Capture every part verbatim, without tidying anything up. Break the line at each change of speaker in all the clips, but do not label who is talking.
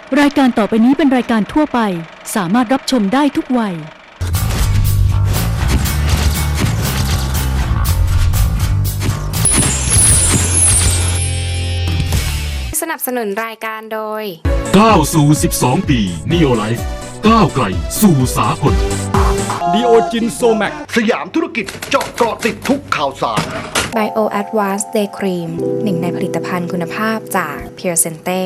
รายการต่อไปนี้เป็นรายการทั่วไปสามารถรับชมได้ทุกวัย
สนับสนุนรายการโดย
ก้าวสู่สิบสองปี Neo Life ก้าวไกลสู่สากล
ดีโอจินโซแมก
สยามธุรกิจเจาะเกาะติดทุกข่าวสาร
Bio Advanced Day Cream หนึ่งในผลิตภัณฑ์คุณภาพจาก Pure Sente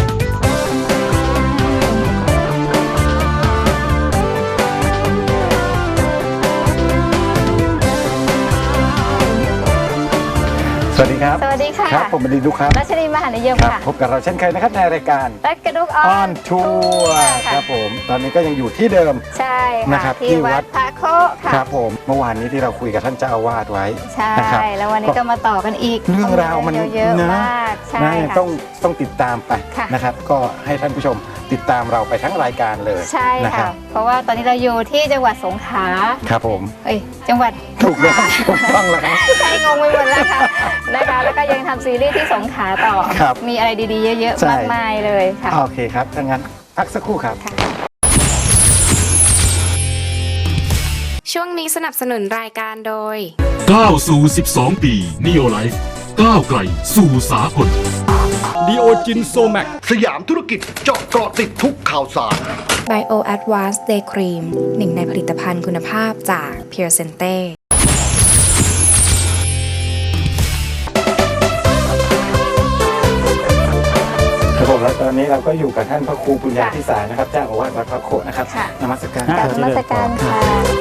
สวัสดีครับ
สวัสดีค่ะ
ครับผมบดินทร์ดุครับ
รัชนีมหานิยมค่ะ
พบกับเราเช่นเคยนะครับในรายการ
รักกระดุกออน
ทัวร์ครับผมตอนนี้ก็ยังอยู่ที่เดิม
ใช่
ค่ะ
ที่วัดพระโคค่ะ
ครับผมเมื่อวานนี้ที่เราคุยกับท่านเจ้าอาวาสไว้
ใช่แล้ววันนี้ก็มาต่อกันอีก
เรื่องราวมัน
เยอะมากใช่ค่ะ
ต้องต้องติดตามไปนะครับก็ให้ท่านผู้ชมติดตามเราไปทั้งรายการเลย
ใช่ค่ะเพราะว่าตอนนี้เราอยู่ที่จังหวัดสงขลา
ครับผม
เอ้ยจังหวัด
ถูกแล้วถูกต้องแล้ว
ใช่งงไปหมดแล้วค่ะนะคะแล้วก็ยังทำซีรีส์ที่สงขลาต่อมีอะไรดีๆเยอะๆมากมายเลยค่ะ
โอเคครับถ้างั้นพักสักครู่ครับ
ช่วงนี้สนับสนุนรายการโดย
ก้าวสู่สิบสองปี Neo Life ก้าวไกลสู่สากล
ดีโอจินโซแมก
สยามธุรกิจเจาะเกาะติดทุกข่าวสาร
Bio Advanced Day Cream หนึ่งในผลิตภัณฑ์คุณภาพจาก Pure Sente
ครับผมแล้วตอนนี้เราก็อยู่กับท่านพระครูปุญญาภิสารนะครับเจ้าอาวาสวัดพระโคนะครับนมัสการ
นมัสการค่ะ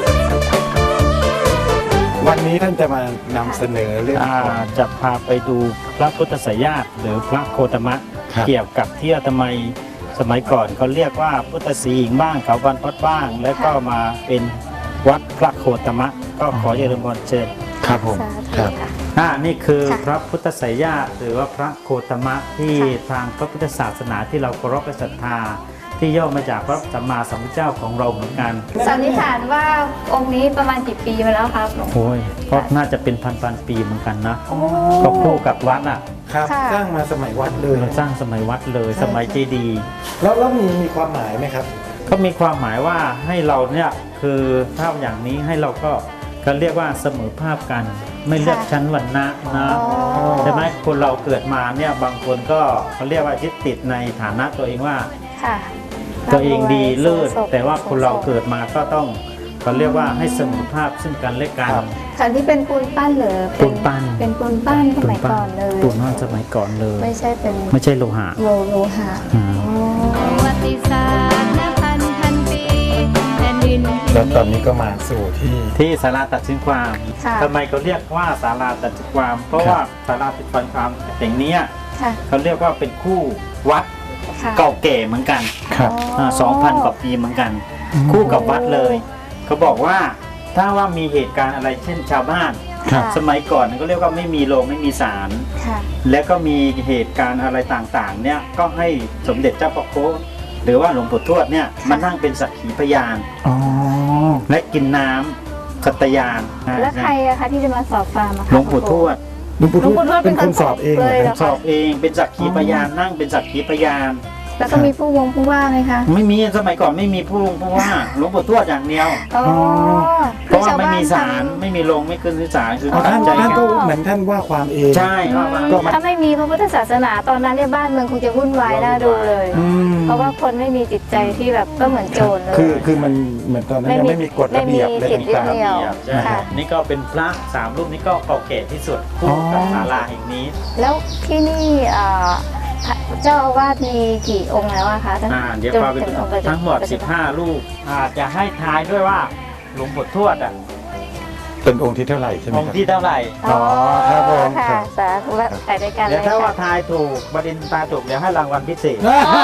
วันนี้ท่านจะมานำเสนอเรื่อง
จะพาไปดูพระพุทธไสยญาติหรือพระโคตมะเกี่ยวกับที่อาตมาสมัยก่อนเขาเรียกว่าพุทธศรีหิงบ้างเขาบรรพตบ้างแล้วก็มาเป็นวัดพระโคตมะก็ขอเจริญพรเชิญ
ครับผมครับ
อ่านี่คือพระพุทธไสยญาติหรือว่าพระโคตมะที่ทางพระพุทธศาสนาที่เราเคารพและศรัทธาที่ย่อมาจากพระสัมมาสัมพุทธเจ้าของเราเหมือนกัน
สันนิษฐานว่าองค์นี้ประมาณกี่ปีมาแล้วครับ
โอ้ยก็น่าจะเป็นพันพันปีเหมือนกันนะก็คู่กับวัดอ่ะ
ครับสร้างมาสมัยวัดเลย
สร้างสมัยวัดเลยสมัยเจดีย์
แล้วแล้วมีมีความหมายไหมครับ
ก็มีความหมายว่าให้เราเนี่ยคือถ้าอย่างนี้ให้เราก็เขาเรียกว่าเสมอภาพกันไม่เลือกชั้นวรรณะนะใช่ไหมคนเราเกิดมาเนี่ยบางคนก็เขาเรียกว่ายึดติดในฐานะตัวเองว่าตัวเองดีเลิศแต่ว่าคนเราเกิดมาก็ต้องเขาเรียกว่าให้เสมอภาพซึ่งกันและกัน
ค่ะที่เป็นปูนปั้นหรือ
ปูนปั้น
เป็นปูนปั้นสมัยก่อนเลย
ปูนปั้นสมัยก่อนเลย
ไม่ใช่เป็น
ไม่ใช่โลหะ
โลโลหะ
ประวัติศาสตร์พันพันปีแผ่นดินแล้วตอนนี้ก็มาสู่ที่
ที่ศาลาตัดสินความทำไมเขาเรียกว่าศาลาตัดสินความเพราะว่าศาลาตัดสินความแห่งนี้เขาเรียกว่าเป็นคู่วัดเก่าแก่เหมือนกันสองพันกว่าปีเหมือนกันคู่กับวัดเลยเขาบอกว่าถ้าว่ามีเหตุการณ์อะไรเช่นชาวบ้านสมัยก่อนก็เรียกว่าไม่มีโรงไม่มีศาลและก็มีเหตุการณ์อะไรต่างๆเนี่ยก็ให้สมเด็จเจ้าพ่อโคหรือว่าหลวงปู่ทวดเนี่ยมานั่งเป็นสักขีพยานและกินน้ำสัตยาน
แล้วใครอะคะที่จะมาสอบฟาร์ม
หลวงปู่ทวด
หลวงปู่ทวดเป็นคนสอบเอง
สอบเองเป็นสักขีพยานนั่งเป็นสักขีพยาน
แล้วก็มีผู้วงผู้ว่าไหมคะ
ไม่มีสมัยก่อนไม่มีผู้วงผู้ว่าหลวงปู่ทวดอย่างเดียวเพราะว่าไม่มีศาลไม่มีโรงไม่ขึ้นศาลคือ
ท่านท่านก็เหมือนท่านว่าความเอง
ใช่
ถ้าไม่มีพระพุทธศาสนาตอนนั้นเนี่ยบ้านเมืองคงจะวุ่นวายน่าดูเลยเพราะว่าคนไม่มีจิตใจที่แบบก็เหมือนโจรเลย
คือคือมันเหมือนตอนนั้นยังไม่มีกฎระเบียบเลย
ต่าง
ๆนี่ก็เป็นพระสามรูปนี้ก็เก่าแก่ที่สุดคู่กับศาลาแห่งนี้
แล้วที่นี่เจ้าอาวาสมีกี่องค์แล้วอะคะ
เดี๋ยวพาไปดูทั้งหมดสิบห้ารูปอาจจะให้ทายด้วยว่าหลวงปู่ทวดอ่ะ
เป็นองค์ที่เท่าไหร่ใช่ไหม
องค์ที่เท่าไหร่
อ๋อครับผม
ค่ะสาธุถ่ายด้วยกันเลย
เดี๋ยวถ้าว่าทายถูกบดินทร์ตาถูกเดี๋ยวให้รางวัลพิเศษ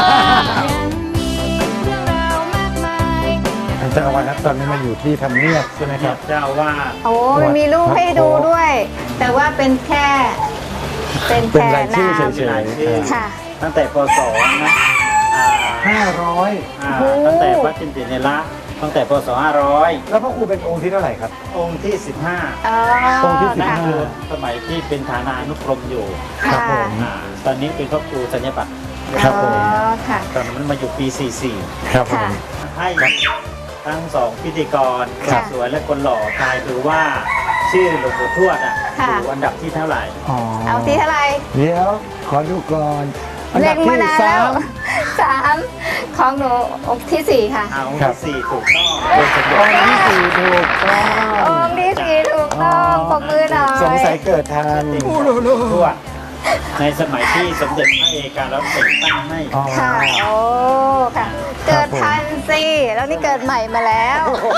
เจ้าอาวาสตอนนี้มาอยู่ที่ทำเนียบใช่ไหมครับ
เจ้าว่า
โอ้มันมีรูปให้ดูด้วย แต่ว่าเป็นแค่เป็นแค่
รายชื่อเฉย
ๆค่ะ
ตั้งแต่ป.สองนะ
ห้าร้อย
ตั้งแต่วัดจินติเนละตั้งแต่ป.สองห้าร้อย
แล้วพระครูเป็นองค์ที่เท่าไหร่ครับ
องค์ที่สิบห้า
องค์
ที่สิบห้าสมัยที่เป็นฐานานุกรมอยู่
ครับผม
ตอนนี้เป็นพระครูสัญญบัตรครับผม
อ๋อค่ะ
ตอนนั้นมันมาอยู่ปี สี่สิบสี่
ครับผม
ค่ะ
ให้ทั้งสองพิธีกรค
ค่ะ
นสวยและคนหล่อทายคือว่าชื่อหลวงปู่ทวดอ่ะ
ค่ะ
อยู่อันดับที่เท่าไหร่
เอาที่เท่าไหร่
เดี๋ยวขอดูก่อนอัน
เล็
ดับ
งมา
ที่
นาน
สา
แล้ว
ม
สามของหนูองค์ที่สี่ค่ะ
เอาองค์
ครับ
ที่สี่ถูกต้องเป็นสมเด็จ
องค์ที่สี่ถูกต้อง
องค์ที่สี่ถูกต้องปรบมือหน่อย
สงสัยเกิดทัน
ทวดในสมัยที่สมเด็จพระเอกาแล้วแต่งตั้งให้
อ๋อ
ค่ะ โอ้ ค่ะ เกิดทันสิ แล้วนี่เกิดใหม่มาแล้ว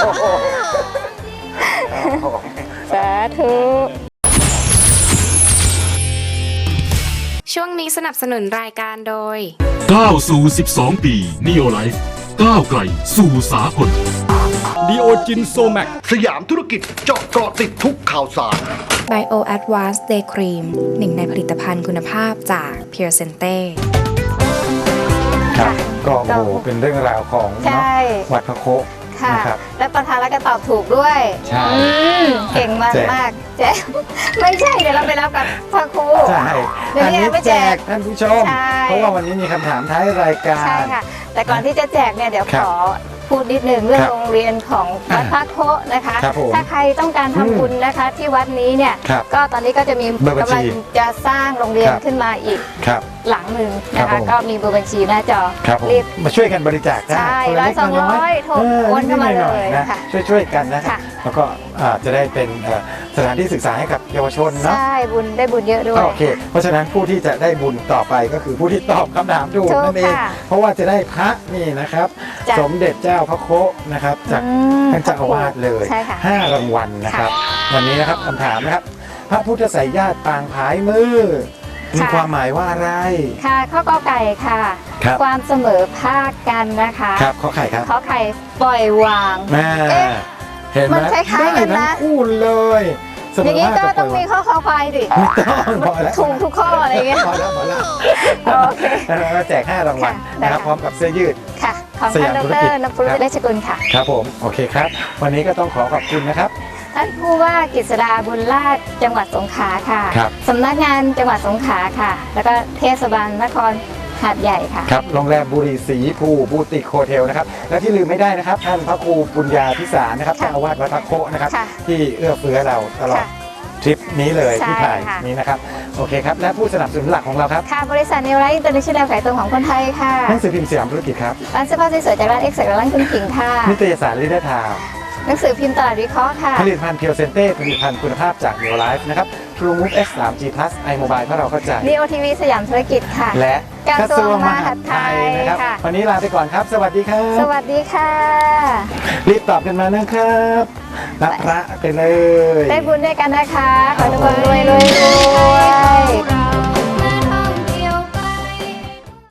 สาธุ
ช่วงนี้สนับสนุนรายการโดย
ก้าวสู่ สิบสอง ปี Neo Life ก้าวไกลสู่สากล
ดีโอจินโซแมก
สยามธุรกิจเจาะเกาะติดทุกข่าวสาร
Bio Advanced Day Cream หนึ่งในผลิตภัณฑ์คุณภาพจาก Pure Sente
ครับก็โอ้โหเป็นเรื่องราวของ
ใช่
เนาะวัดพระโค
ค่ะ
นะครับ
และประธานแล้วก็ตอบถูกด้วย
ใช่
อืมเก่งมาก
แจก
มากแจกไม่ใช่ เดี๋ยวเราไปรับกับพระครู
ใช่
เดี๋ยว
อัน
นี้
นี้
ไม่
แจ
แจ
ก
ก
ท่านผู้ชม
ใช่
เพราะว่าวันนี้มีคำถามท้ายรายการ
ใช่ค่ะ แต่ก่อนที่จะแจกเนี่ยเดี๋ยว
ครั
ข
บ
อพูดนิดหนึ่งเรื่อง
ครับ
โรงเรียนของวัดพระโคนะคะ
ครับผม
ถ้าใครต้องการ
อืม
ทำบุญนะคะที่วัดนี้เนี่ย
ครับ
ก็ตอนนี้ก็จะมี
เบอร์บัญชี
กำลังจะสร้างโรงเรียน
ครับ
ขึ้นมาอีก
ครับ
หลังหนึ่ง
ครั
นะ
บ
คะ
ผม
ก็มีเบอร์บัญชีหน้าจอ
ครับผม
รีบ
มาช่วยกันบริจาคได้
ใช่
คนละเล็ก
ร้อยสอง
น้
ร้อยโทรโอนเข้ามา
นิดๆหน่อ
เลย
ๆนะ
ค่ะ
ช่วยๆกันนะ
ค่ะ
แล้วก็อ่าจะได้เป็นเอ่อสถานที่ศึกษาให้กับเยาวชนเนาะ
ใช่บุญได้บุญเยอะด้วย
โอเค เพราะฉะนั้นผู้ที่จะได้บุญต่อไปก็คือผู้ที่ตอบคำถามถูก
ถูก
นั่นเอง
ค่ะ
เพราะว่าจะได้พระนี่นะครับ
จ้ะ
สมเด็จเจ้าพระโคนะครับจาก
อืม
ท่านเจ้าอาวาสเลย
ใช่ค่ะ
ห้ารางวัลนะครับ วันนี้นะครับคำถามนะครับ พระพุทธไสยญาติปางผายมือ มีความหมายว่าอะไร
ค่ะข้อกอไก่ค่ะ
ครับ
ความเสมอภาคกันนะคะ
ครับขอไข่ครับ
ขอไข่ปล่อยวาง
แม่
เอ๊ะ
เห็นไหม
มันคล้ายๆกันนะ
ได้ทั้งคู่เลยเสม
อย่างนี้
ภาค
ก็
บ
ต้องมี
ปล่ย
ข้อคอควายดิ
ไม่ต้องพอแล้ว
ถูกทุกข้ออะไรเงี้ย
พอแล้วพอแล้ว
โอเค
แล้วเราแจกห้ารางวัล
ค่ะได้
นะครับ
ค่ะ
พร้อมกับเสื้อยืด
ค่ะ ของ
ส
ท่าน
ยาม
ด
ธุรกิจ
รนภุ
ครั
ริ
บ
ราชกุลค่ะ
ครับผมโอเคครับ วันนี้ก็ต้องขอขอบคุณนะครับ
ท่านผู้ว่ากฤษดาบุญราชจังหวัดสงขลาค่ะ
ครับ
สำนักงานจังหวัดสงขลาค่ะ แล้วก็เทศบาลนครหาดใหญ่ค่ะ
ครับโรงแรมบุรีศรีภูบูติกโฮเทลนะครับและที่ลืมไม่ได้นะครับ ท่านพระครูปุญญาพิสารนะครับ
ค่ะ
เจ้าอาวาสวัดพระโคนะครับ
ค่ะ
ที่เอื้อเฟื้อเราตลอด
ค่ะ
ทริปนี้เลย
ใช่
ที่ถ่าย
ค่ะ
นี้นะครับโอเคครับและผู้สนับสนุนหลักของเราครับ
ค่ะ บริษัทนิวไลท์อินเตอร์เนชั่นแนลขายตรงของคนไทยค่ะ
หนังสือพิมพ์สยามธุรกิจครับ
ร้านเสื้อผ้าสวยๆจากร้านเอ็กซ์จากร้านคุณผิงค่ะ
นิตยสารลิเดอร์ทาว
หนังสือพิมพ์ตลาดวิเคราะห์ค่ะ
ผลิตภัณฑ์เพียวเซนเต้ผลิตภัณฑ์คุณภาพจาก Neo Life นะครับ True Move เอ็กซ์ ทรี จี Plus iMobile เพราะเราเข้าใจ
ดี โอ ที วี สยามธุรกิจค่ะ
และ
กระทรวงมหาดไทย
นะครับ
ค่ะ
วันนี้ลาไปก่อนครับ สวัสดีครับ
สวัสดีค่ะ
รีบตอบกันมานะครับรับพระไปเลย
ได้บุญด้วยกันนะคะ ขอให้ทุกคนรวยรวยรวย